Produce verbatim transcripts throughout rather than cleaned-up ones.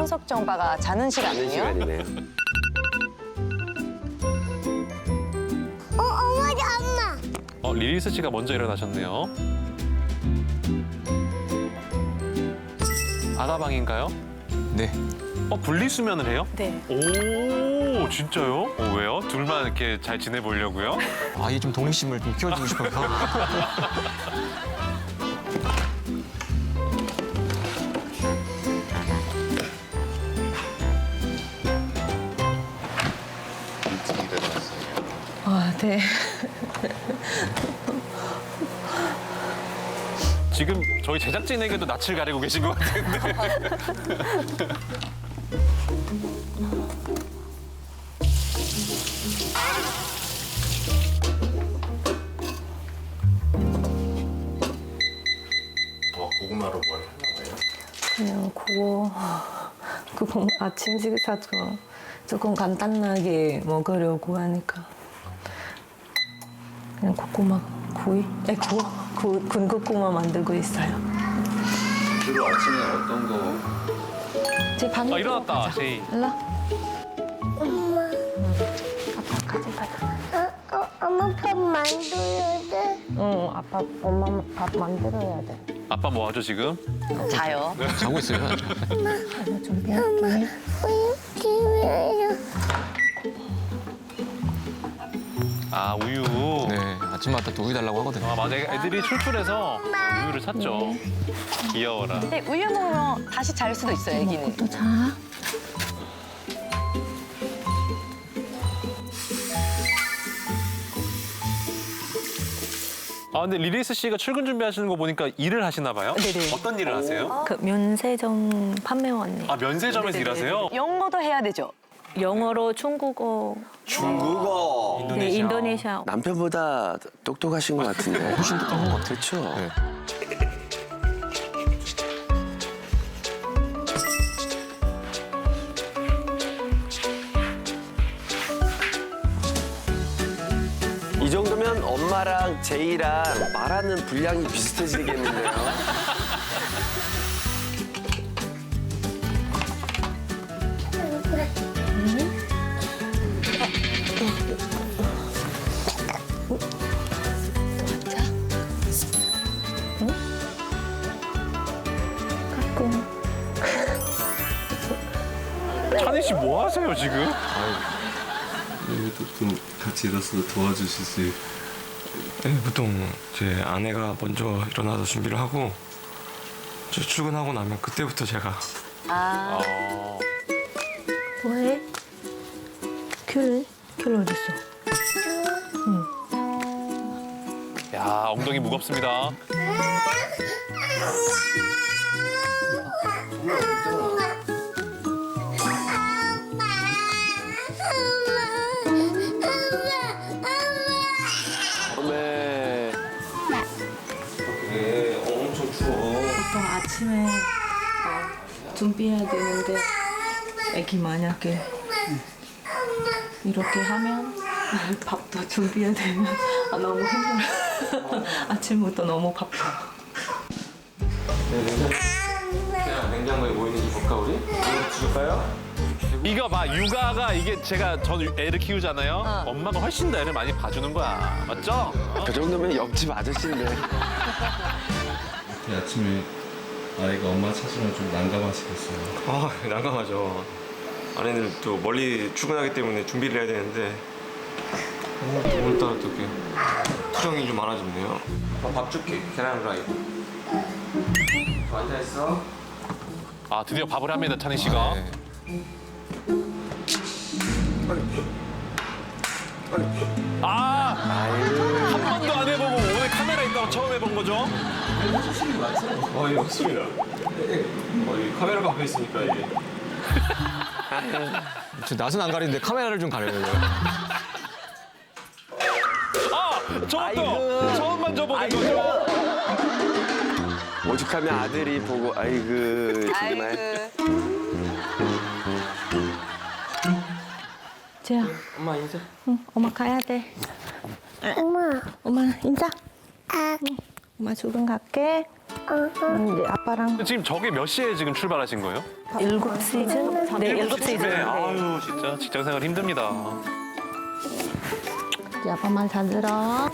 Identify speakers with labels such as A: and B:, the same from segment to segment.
A: 현석정 오빠가 자는
B: 자는
A: 시간이에요?
B: 시간이네요.
C: 어, 어머니, 엄마.
D: 어, 리리스 씨가 먼저 일어나셨네요. 아가방인가요?
E: 네.
D: 어, 분리수면을 해요?
A: 네.
D: 오, 진짜요? 어, 왜요? 둘만 이렇게 잘 지내보려고요?
E: 아이 좀 독립심을 좀 키워주고 싶어서.
A: 아, 네.
D: 지금 저희 제작진에게도 낯을 가리고 계신 것 같은데.
F: 어, 고구마로 뭘 하나 봐요?
G: 그냥 그거 그거 아침 식사 좀 조금 간단하게 먹으려고 하니까 그냥 고구마 구이? 네, 구워 구, 군고구마 만들고 있어요.
F: 주로 아침에 어떤 거?
G: 제 방에
D: 아, 일어났다, 제이.
G: 일로.
C: 엄마.
G: 아빠까지 가자.
C: 어, 어, 엄마 밥 만들어야 돼.
G: 응, 아빠 엄마 밥 만들어야 돼.
D: 아빠 뭐 하죠, 지금?
A: 자요.
E: 자고 있어요.
G: 이거 준비할게.
C: 우유 기회요.
D: 아, 우유.
E: 네, 아침마다 또 우유 달라고 하거든요.
D: 아, 맞아. 애들이 출출해서 우유를 샀죠. 귀여워라.
A: 근데 우유 먹으면 다시 잘 수도 있어요, 애기는.
G: 또 자.
D: 아, 근데 리리스 씨가 출근 준비하시는 거 보니까 일을 하시나 봐요?
A: 네네.
D: 어떤 일을 하세요?
G: 그 면세점 판매원이에요.
D: 아, 면세점에서 일하세요?
A: 영어도 해야 되죠?
G: 영어로 중국어,
B: 중국어.
G: 네, 인도네시아.
B: 남편보다 똑똑하신 것 같은데.
E: 훨씬 똑똑한 것 같아요.
B: 그렇죠.
E: 네.
B: 이 정도면 엄마랑 제이랑 말하는 분량이 비슷해지겠는데요.
G: 가끔.
D: 찬희 씨 뭐 하세요, 지금?
F: 여기도 좀 같이 일어서 도와주실 수 있...
H: 네, 보통 제 아내가 먼저 일어나서 준비를 하고 저 출근하고 나면 그때부터 제가
A: 아,
D: 어...
G: 뭐해? 귤? 귤 어딨어?
D: 야, 엉덩이 무겁습니다.
B: 어메.
H: 이게 엄청 추워.
G: 보통 아침에 준비해야 되는데 애기 만약에 이렇게 하면 밥도 준비해야 되면 아, 너무 힘들어. 아침부터 너무 바빠.
H: 그냥 냉장고에 뭐 있는지 볼까 우리? 이거 줄까요?
D: 이거 봐, 육아가 이게 제가 저는 애를 키우잖아요. 엄마가 훨씬 더 애를 많이 봐주는 거야. 맞죠? 어?
B: 그 정도면 옆집 아저씨인데.
F: 이 아침에 아이가 엄마 찾으면 좀 난감하시겠어요.
H: 아 난감하죠. 아내는 또 멀리 출근하기 때문에 준비를 해야 되는데 오늘, 오늘따라 또 이렇게 투정이 좀 많아졌네요. 아, 밥 줄게. 계란 후라이. 앉아 있어.
D: 아, 드디어 밥을 합니다, 찬희 씨가.
E: 네.
D: 아, 한 번도 안 해보고 오늘 카메라 있다고 처음 해본 거죠?
H: 어, 예, 맞습니다. 어, 이 카메라가 앞에 있으니까 이게.
E: 저 낯은 안 가리는데 카메라를 좀 가려요.
D: 아, 저것도
B: 아이고.
D: 처음 만져보는
B: 아이고.
D: 거죠?
B: 오죽하면 아들이 보고 아이고 정말.
A: 아이고.
G: 재야,
H: 엄마 인사.
G: 응, 엄마 가야 돼.
C: 엄마.
G: 엄마 인사.
C: 아,
G: 엄마 출근 갈게. 이제 아빠랑
D: 지금 저게 몇 시에 지금 출발하신 거예요?
G: 일곱 시즌? 네, 일곱 시즌.
D: 네, 아유 진짜 직장 생활 힘듭니다.
G: 이제 아빠 말 잘 들어.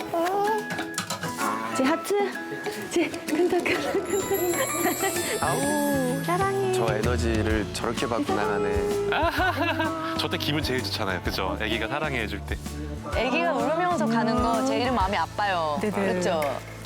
G: 제 하트. 제 끈적끈적. 아우 사랑해.
B: 저 에너지를 저렇게 받고 나가네.
D: 저 때 기분 제일 좋잖아요, 그죠? 아기가 사랑해 해줄 때.
A: 아기가 울면서 가는 거 제일 마음이 아파요.
G: 네네.
A: 그렇죠?